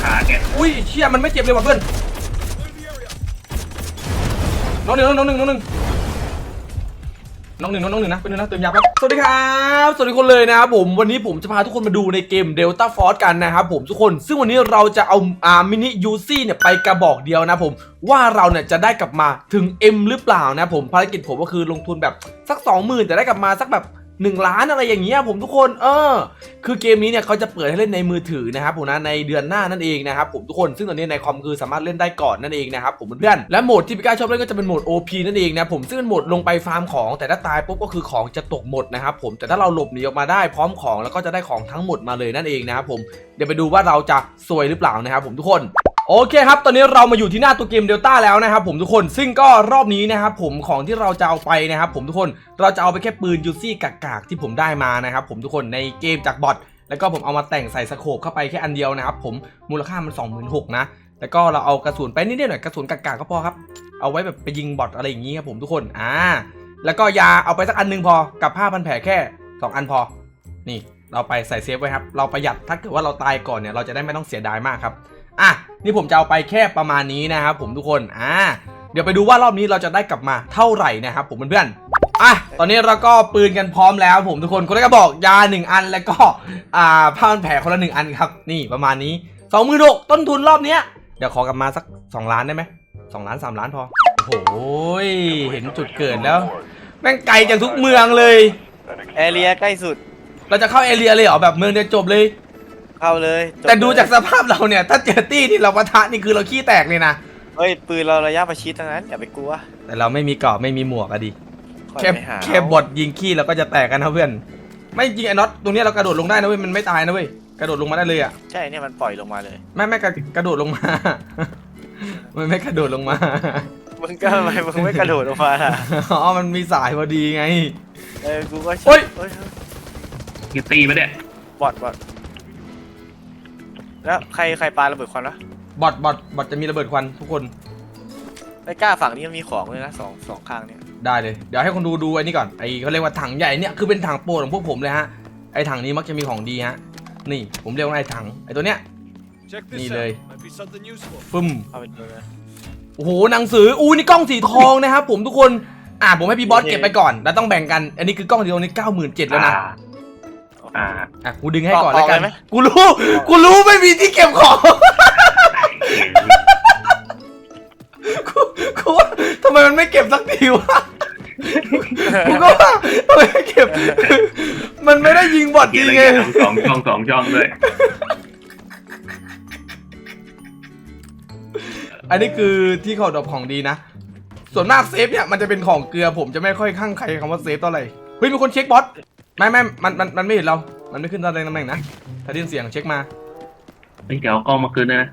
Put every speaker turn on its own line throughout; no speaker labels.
ขาแก
อุ้ยเชี่ยมันไม่เจ็บเลยว่ะเพื่อนน้องหนึ่งนะเป็นหนึ่งนะเติมยาแป๊บสวัสดีครับสวัสดีคนเลยนะครับผมวันนี้ผมจะพาทุกคนมาดูในเกม Delta Force กันนะครับผมทุกคนซึ่งวันนี้เราจะเอามินิยูซี่เนี่ยไปกระบอกเดียวนะผมว่าเราเนี่ยจะได้กลับมาถึง M หรือเปล่านะผมภารกิจผมก็คือลงทุนแบบสัก 20,000 แต่ได้กลับมาสักแบบ1 ล้านอะไรอย่างเงี้ยผมทุกคนคือเกมนี้เนี่ยเขาจะเปิดให้เล่นในมือถือนะครับผมนะในเดือนหน้านั่นเองนะครับผมทุกคนซึ่งตอนนี้ในคอมคือสามารถเล่นได้ก่อนนั่นเองนะครับผมเพื่อนและโหมดที่พี่ก้าชอบเล่นก็จะเป็นโหมด OP นั่นเองนะผมซึ่งเป็นโหมดลงไปฟาร์มของแต่ถ้าตายปุ๊บก็คือของจะตกหมดนะครับผมแต่ถ้าเราหลบหนีออกมาได้พร้อมของแล้วก็จะได้ของทั้งหมดมาเลยนั่นเองนะครับผมเดี๋ยวไปดูว่าเราจะซวยหรือเปล่านะครับผมทุกคนโอเคครับตอนนี้เรามาอยู่ที่หน้าตัวเกม Delta แล้วนะครับผมทุกคนซึ่งก็รอบนี้นะครับผมของที่เราจะเอาไปนะครับผมทุกคนเราจะเอาไปแค่ปืนยูซี่กากๆที่ผมได้มานะครับผมทุกคนในเกมจากบอทแล้วก็ผมเอามาแต่งใส่สโคปเข้าไปแค่อันเดียวนะครับผมมูลค่ามัน 26,000 นะแล้วก็เราเอากระสุนไปนิดๆหน่อยกระสุนกากๆก็พอครับเอาไว้แบบไปยิงบอทอะไรอย่างงี้ครับผมทุกคนแล้วก็ยาเอาไปสักอันนึงพอกับผ้าพันแผลแค่2 อันพอนี่เราไปใส่เซฟไว้ครับเราประหยัดถ้าเกิดว่าเราตายก่อนเนี่ยเราจะได้ไม่ต้องเสียดายมากครับนี่ผมจะเอาไปแค่ประมาณนี้นะครับผมทุกคนเดี๋ยวไปดูว่ารอบนี้เราจะได้กลับมาเท่าไหร่นะครับผมเพื่อนๆตอนนี้เราก็ปืนกันพร้อมแล้วผมทุกคนคนแรกก็บอกยา1 อันแล้วก็ผ้าพันแผลคนละ1 อันครับนี่ประมาณนี้26,000ต้นทุนรอบเนี้ยเดี๋ยวขอกลับมาสัก2 ล้านได้ไหม2 ล้าน3 ล้านพอโอ้โหเห็นจุดเกิดแล้วแม่งไกลจากทุกเมืองเลย
แอเรียใกล้สุด
เราจะเข้าเอเรียเลยเหรอแบบเมืองเดียวจบเลย
เข้าเลย
แต่ดูจากสภาพเราเนี่ยถ้าเจอตี้ที่เราปะทะนี่คือเราขี้แตกเลยนะ
เฮ้ยปืนเราระยะประชิดทั้งนั้นอย่าไปกลัว
แต่เราไม่มีเกราะไม่มีหมวกอะดิแค่บดยิงขี้เราก็จะแตกกันนะเพื่อนไม่จริงไอ้น็อตตรงนี้เรากระโดดลงได้นะเว้ยมันไม่ตายนะเว้ยกระโดดลงมาได้เลยอะ
ใช่เนี่ยมันปล่อยลงมาเลย
ไม่กระโดดลงมามันไม่กระโดดลงมา
มึงก็ทำไมมึงไม่กระโดดลงมาล่ะ
อ๋อมันมีสายพอดีไง
กูก็
โอ๊ยยิงตีมาเนี่ย
บอดแล้วใครปาระเบิดควันวะ
บอทจะมีระเบิดควันทุกคน
ไม่กล้าฝั่งนี้มันมีของเลยนะสองข้างเนี่ย
ได้เลยเดี๋ยวให้คนดูไอ้นี่ก่อนไอ้เขาเรียกว่าถังใหญ่เนี่ยคือเป็นถังโปรดของพวกผมเลยฮะไอ้ถังนี้มักจะมีของดีฮะนี่ผมเรียกว่าไอ้ถังไอ้ตัวเนี้ยนี่เลยปึ้มโอ้โหหนังสือนี่กล้องสีทองนะครับผมทุกคนผมให้พี่บอสเก็บไปก่อนแล้วต้องแบ่งกันอันนี้คือกล้องสีทองนี่97,000แล้วนะกูดึงให้ก่อนแล้วกันกูรู้ไม่มีที่เก็บของกูว่าทำไมมันไม่เก็บสักทีวะกูก็ว่าทำไมไม่เก็บมันไม่ได้ยิงบอทจริงไง
สองช่องด้วย
อันนี้คือที่เขาดรอปของดีนะส่วนมากเซฟเนี่ยมันจะเป็นของเกลือผมจะไม่ค่อยข้างใครคำว่าเซฟเท่าไหร่เฮ้ยมีคนเช็คบอสไม่มันไม่เห็นเรามันไม่ขึ้นตำแหน่งนะถ้าได้ยินเสียงเช็คมา
เดี๋ยวกล้องมาคืนนะ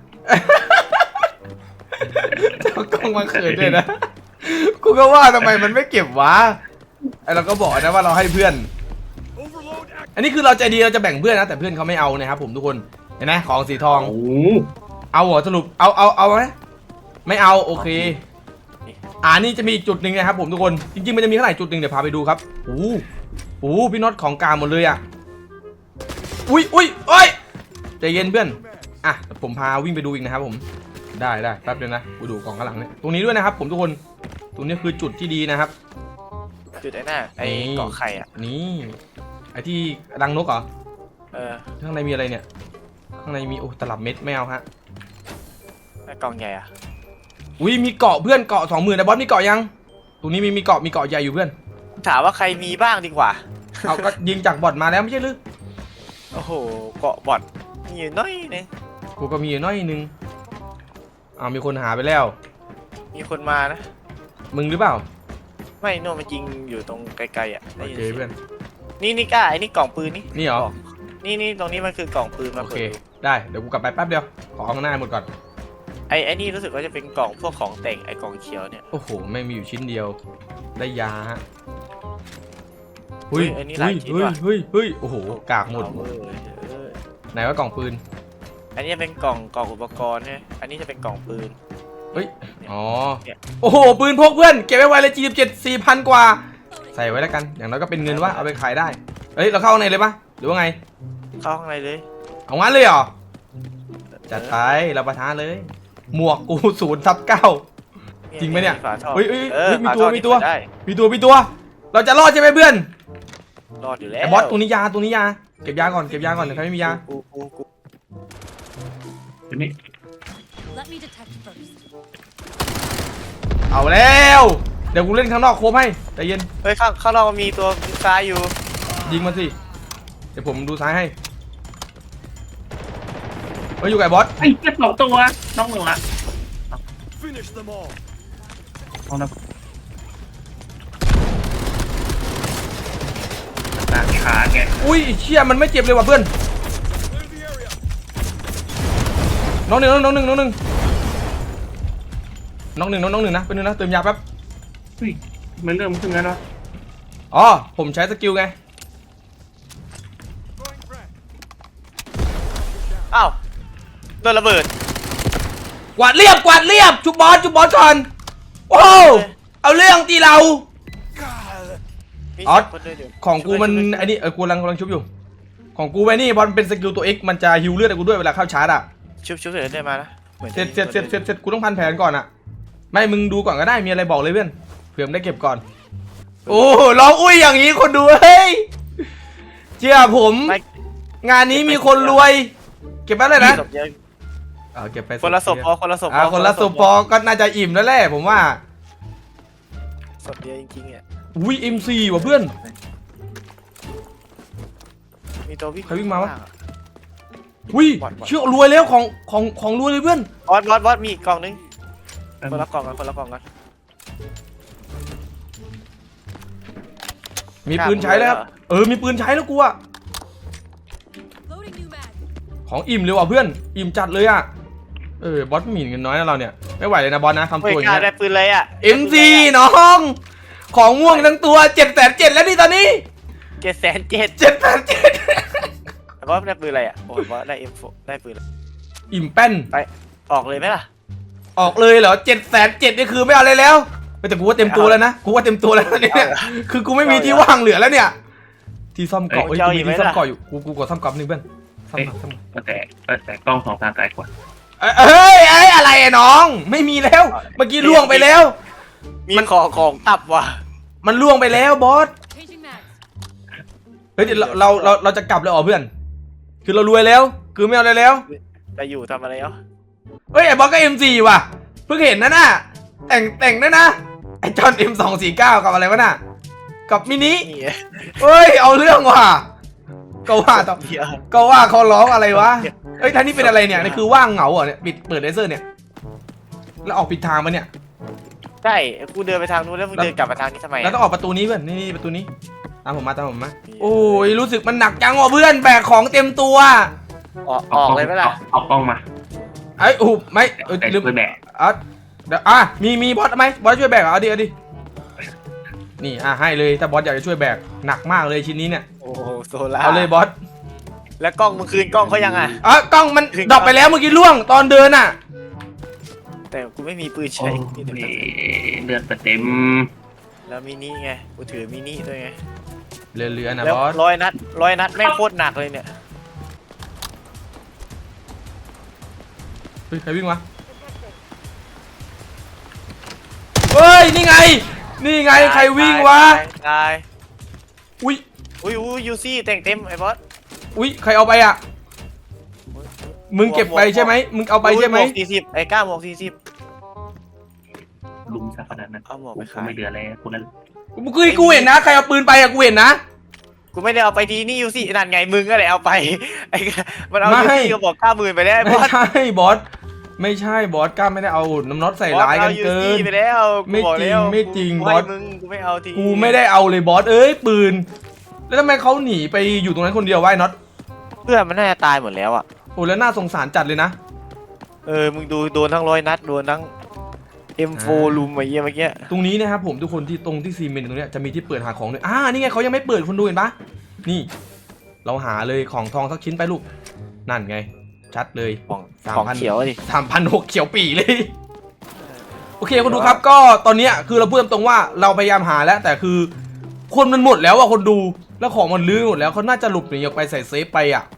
เอากล้องมาคืนด้วยนะกูก็ว่าทำไมมันไม่เก็บวะเราก็บอกนะว่าเราให้เพื่อนอันนี้คือเราใจดีเราจะแบ่งเพื่อนนะแต่เพื่อนเขาไม่เอานะครับผมทุกคนเห็นไหมของสีทองเอาเหรอสรุปเอาไหมไม่เอาโอเคนี่จะมีอีกจุดหนึ่งนะครับผมทุกคนจริงๆมันจะมีเท่าไหร่จุดหนึ่งเดี๋ยวพาไปดูครับพี่น็อตของกลางหมดเลยอุ้ยใจเย็นเพื่อนผมพาวิ่งไปดูอีกนะครับผมได้แป๊บเดียวนะไปดูของข้างหลังเนี่ยตรงนี้ด้วยนะครับผมทุกคนตรงนี้คือจุดที่ดีนะครับ
จุดไอ้หน้าไอ้เกาะไข่
นี่ไอ้ที่รังนกเหรอข้างในมีอะไรเนี่ยข้างในมีตลับเม็ดไม่เอาฮะ
ไอ้กล่องใหญ่
มีเกาะเพื่อนเกาะ20,000แต่บอสมีเกาะยังตรงนี้มีเกาะใหญ่อยู่เพื่อน
ถามว่าใครมีบ้างดีกว่า
เอาก็ยิงจากบอทมาแล้วไม่ใช่หรือ
โอ้โหเกาะบอทมีอยู่น้อยนึง
กูก็มีอยู่น้อยนึงมีคนหาไปแล้ว
มีคนมานะ
มึงหรือเปล่า
ไม่โน่มันยิงอยู่ตรงไกลๆ
โอเคเพื่อน
นี่กล้าไอ้นี่กล่องปืน
นี่เหรอ
นี่ตรงนี้มันคือกล่องปืนมา
โอเคได้เดี๋ยวกูกลับไปแป๊บเดียวขอเอาข้างหน้าหมดก่อน
ไอ้นี่รู้สึกว่าจะเป็นกล่องพวกของแต่งไอ้กล่องเขียวเนี่ย
โอ้โหไม่มีอยู่ชิ้นเดียวได้ยาฮะ
เฮ้ยอันนี้หลายชิ้นว่ะ
เฮ้ยโอ้โหกากหมดไหนว่ากล่องปืน
อันนี้เป็นกล่องอุปกรณ์ใช่อันนี้จะเป็นกล่องปืน
โอ้โหปืนพกเพื่อนเก็บไว้ไวเลยG17 4,000 กว่าใส่ไว้แล้วกันอย่างน้อยก็เป็นเงินว่าเอาไปขายได้เราเข้าข้างในเลยปะหรือว่าไง
เข้าข้างในเลย
เอางั้นเลยเหรอจัดไปเราประทานเลย หมวกกู0/9จริงไหมเนี่ย
ฝาท่อ
เฮ้ยมี
ฝา
ตัว
ท่อ
มีตัว
เปิดได้
มีตัวเราจะรอดใช่ไหมเพื่อน
รอดอยู่แล้ว
ไอ้บอสตรงนี้ยาเก็บยาก่อนเดี๋ยวใครไม่มียา
กู
เดี๋ยวนี้
Let me detect first.
เอาแล้วเดี๋ยวกูเล่นข้างนอกโคมให้ใจเย็น
เฮ้ยข้างนอกมันมีตัวซ้ายอยู่
ยิงมันสิเดี๋ยวผมดูซ้ายให้เฮ้ยอยู่กับไอ้บอส
ไอ้เจ็บ2 ตัวน้องหนึ่งละเอานะต่างขาแก
อุ้ยเชี่ยมันไม่เจ็บเลยว่ะเพื่อนน้องหนึ่งนะเป็นหนึ่งนะเติมยาแป๊บ
เฮ้ยมันเริ่มขึ้นแล้วเนาะ
อ๋อผมใช้สกิลไง
อ้าวโดนระเบิด
กวาดเรียบจุบบอสก่อนโอ้เอาเรื่องตีเรา
มี
อ๋อ
เสียงคนเดินอยู่
ของกูมันไอ้นี่กูกำลังชุบอยู่ของกูไว้นี่บอลเป็นสกิลตัว X มันจะฮิวเลือดให้กูด้วยเวลาเข้าชาร์จอ่ะ
ชุบเสร็จได้มานะหมือน
เสร็จกูต้องพันแผนก่อนอ่ะไม่มึงดูก่อนก็ได้มีอะไรบอกเลยเพื่อนเผื่อมนได้เก็บก่อนโอ้ร้องอุ้ยอย่างนี้คนดูเฮ้ยเชื่อผม
ไม่
งานนี้มีคนรวยเก็บไปเลยนะ
ศพเยอะ
เก็บไป
คนละศพพอคนละศพ
คนละศพพอก็น่าจะอิ่มแล้วแหละผมว่า
ศพเยอะจริงๆอ่ะ
อุ้ย MC ว่ะเพื่อน
มีตัววิ่ง
ใครวิ่งมาวะ อุ้ยเชื่อรวยแล้วของรวยเลยเพื่อน
บอสมีอีกกล่องนึงคนละกล่องกัน
มีปืนใช้แล้วครับมีปืนใช้แล้วกูอะ
Loading new mag.
ของอิ่มเลยว่ะเพื่อนอิ่มจัดเลยอะบอสหมิ่นเงินน้อยนะเราเนี่ยไม่ไหวเลยนะบอสนะทำ
เฮ้ย
ตัวอย่าง
กล้า
เงี้
ได้
ย
ปืนเลยอ่ะ
MC น้องของม่วงทั้งตัว700,007แล้วนี่ตอนนี้
700,007
700,007
แต่ว่าได้ปืนอะไรอ่ะโอ้ยว่าได้ M4 ได้ปืนอะไร
อิ่มแป้น
ไปออกเลยไหมล่ะ
ออกเลยเหรอ700,007นี่คือไม่เอาอะไรแล้วแต่กูว่าเต็มตัวแล้วนะกูว่าเต็มตัวแล้วเนี่ยคือกูไม่มีที่ว่างเหลือแล้วเนี่ยที่ซ่อมเกาะกูมีที่ซ่อมเกาะอยู่กูกดซ่อมเกาะนึงเพื่อนซ่อมเกาะ
แต่กล้อง2 ทางไกลกว่า
เฮ้ยอะไรอะน้องไม่มีแล้วเมื่อกี้ล่วงไปแล้ว
มีของตับว่ะ
มันล่วงไปแล้วบอส
Changing mags.
เฮ้ยเดี๋ยวเราจะกลับเลยอ๋อเพื่อนคือเรารวยแล้วคือไม่เอาอะไรแล้ว
จะอยู่ทำอะไรเนาะ
เฮ้ยไอ้บอสก็ M4 ว่ะเพิ่งเห็นนะน่ะแต่งนะนะไอ้จอน M249กับอะไรวะน่ะกับมินิ
นี่
เฮ้ยเอาเรื่องว่ะก็ว่าต่อ
เดี๋ยว
ก็ว่าเขาร้องอะไรวะเฮ้ยท่านนี่เป็นอะไรเนี่ยนี่คือว่างเหงาเหรอเนี่ยเปิดเลเซอร์เนี่ยแล้วออกผิดทางมาเนี่ย
ใช่กูเดินไปทางนู้นแล้วมึงเดินกลับมาทางนี้ทำไม
แล้วต้องออกประตูนี้เพื่อนนี่ประตูนี้ตามผมมาโอ้ยรู้สึกมันหนักจังว่ะเพื่อนแบกของเต็มตัว
ออกเลยไหมล่ะ
เอากล้องมา
ไอ้ไม่
แต่
ลืม
ปืนแบก
เดี๋ยวมีบอสไหมบอสช่วยแบกเอาดินี่ให้เลยถ้าบอสอยากจะช่วยแบกหนักมากเลยชิ้นนี้เนี่ย
โอ้โหโซล่า
เอาเลยบอส
แล้วกล้องมึงคืนกล้องเขายังอ่ะ
กล้องมันดรอปไปแล้วเมื่อกี้ล่วงตอนเดินอ่ะ
แต่กูไม่มีปืน
โอ้
ใช้
ยเลือดเต็ม
แล้วมินิไงกูถือมินิด้วยไง
เรือนะ
แล้ว
บอส
ร้อยนัดแม่งโคตรหนักเลยเนี่ย
เฮ้ยใครวิ่งมาเฮ้ยนี่ไงใครวิ่งวะ
ตาย
อุ้ย
อุ้ยยูซี่แต่งเต็มไอ้บอส
อุ้ยใครเอาไปอ่ะมึงเก็บไปใช่ไหมมึงเอาไปใช่ไหม
หวก40ไอ้ก้าหมวก40
ลุมซะขนาดนั้น
เอาหมวก
กู
ไปขาย
ไม่เหลือแล้วกูนั้น
กูเห็นนะใครเอาปืนไปอะกูเห็นนะ
กูไม่ได้เอาไปทีนี่ยูซี่นั่นไงมึงก็เลยเอาไปไอ้มันเอา
ไม่
ยูซี่ก็บอก90,000ไปแล้วไอ้บ
ไม่
อส
ใช่บอสไม่ใช่บอสกล้าไม่ได้เอาน้ำน็อตใส่ร้ายกันเกิ
บอสเอา UC
น
ไปแล้วกูบอกแล้ว
ไม่จริง
กู
บอส
ให้มึงกูไม่เอาที
กูไม่ได้เอาเลยบอสเอ้ยปืน แล้วทำไมเขาหนีไปอยู่ตรงนั้นคนเดียววะไอ้น็อต
เพื่อนมันน่าจะตายหมดแล้วอ่ะ
โอ้แล้วน่าสงสารจัดเลยนะ
มึงดูโดนทั้ง100 นัดโดนทั้ง M4 ลุมไอ้เหี้ยเมื่อกี้
ตรงนี้นะครับผมทุกคนที่ตรงที่ซีเมนต์ตรงเนี้ยจะมีที่เปิดหาของด้วยนี่ไงเขายังไม่เปิดคนดูเห็นปะนี่ เราหาเลยของทองสักชิ้นไปลูกนั่นไง ชัดเลย
ของเขียวดิ
3,600เขียวปีเลย โอเคคนดูครับก็ตอนเนี้ยคือเราพูดตรงๆว่าเราพยายามหาแล้วแต่คือคนมันหมดแล้วอะคนดูแล้วของมันลื้อหมดแล้วเขาน่าจะหลบหนีออกไปใส่เซฟไปอะ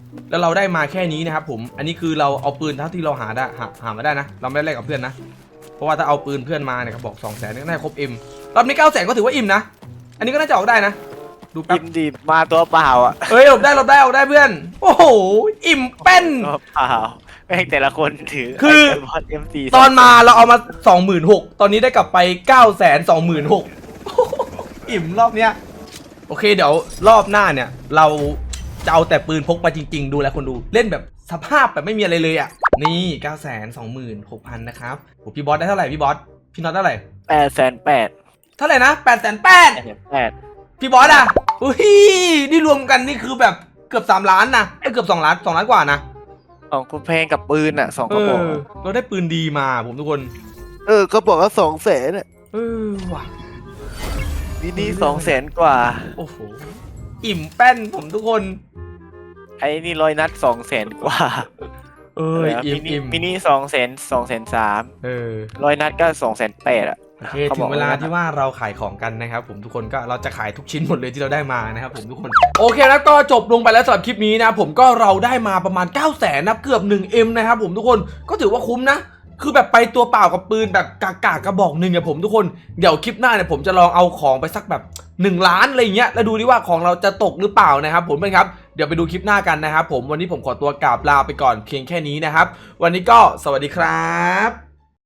แล้วเราได้มาแค่นี้นะครับผมอันนี้คือเราเอาปืนเท่าที่เราหาได้หามาได้นะเราไม่ได้แลกกับเพื่อนนะเพราะว่าถ้าเอาปืนเพื่อนมาเนี่ยเขาบอก 200,000นี่ก็น่าจะครบเอ็มรอบนี้ 900,000ก็ถือว่าอิ่มนะอันนี้ก็น่าจะออกได้นะดูแป๊บ
อิ่มดีมาตัวเปล่าอ่ะ
เอ้ยหลบได้ออกได้เพื่อนโอ้โหอิ่มเป็น
ตัวเปล่าแม่งแต่ละคนถือ
คือ
ไบอล M4
ตอนมาเราเอามา 26,000ตอนนี้ได้กลับไป 926,000 อิ่มรอบเนี้ยโอเคเดี๋ยวรอบหน้าเนี่ยเราจะเอาแต่ปืนพกมาจริงๆดูแลคนดูเล่นแบบสภาพแบบไม่มีอะไรเลยอ่ะนี่ 926,000 นะครับโหพี่บอสได้เท่าไหร่พี่บอสพี่น็อตเท่าไหร่
800,000
เท่าไหร่นะ 800,000 พี่บอสอ่ะอุ้ยนี่รวมกันนี่คือแบบเกือบ3 ล้านนะเกือบ2 ล้าน2 ล้านกว่านะ
ของกูแพงกับปืนอ่ะ2กระบอก
เราได้ปืนดีมาผมทุกคน
ก็บอกว่า200,000อ่ะ
ว่ะ
นี่200,000กว่า
โอ้โหอิ่มแป้นผมทุกคน
ไอ้นี่100 นัด200,000กว่า
อิ่ม
มินิ200,000 100 นัดก็280,000อ่ะ
โอเคถึงเวลาที่ว่าเราขายของกันนะครับผมทุกคนก็เราจะขายทุกชิ้นหมดเลยที่เราได้มานะครับผมทุกคนโอเคแล้วก็จบลงไปแล้วสำหรับคลิปนี้นะผมก็เราได้มาประมาณ 900,000นะเกือบ 1M นะครับผมทุกคนก็ถือว่าคุ้มนะคือแบบไปตัวเปล่ากับปืนแบบกากกระบอกหนึ่งเนี่ยผมทุกคนเดี๋ยวคลิปหน้าเนี่ยผมจะลองเอาของไปสักแบบ1 ล้านอะไรเงี้ยแล้วดูดิว่าของเราจะตกหรือเปล่านะครับผมเพื่อนครับเดี๋ยวไปดูคลิปหน้ากันนะครับผมวันนี้ผมขอตัวกราบลาไปก่อนเพียงแค่นี้นะครับวันนี้ก็สวัสดีครับ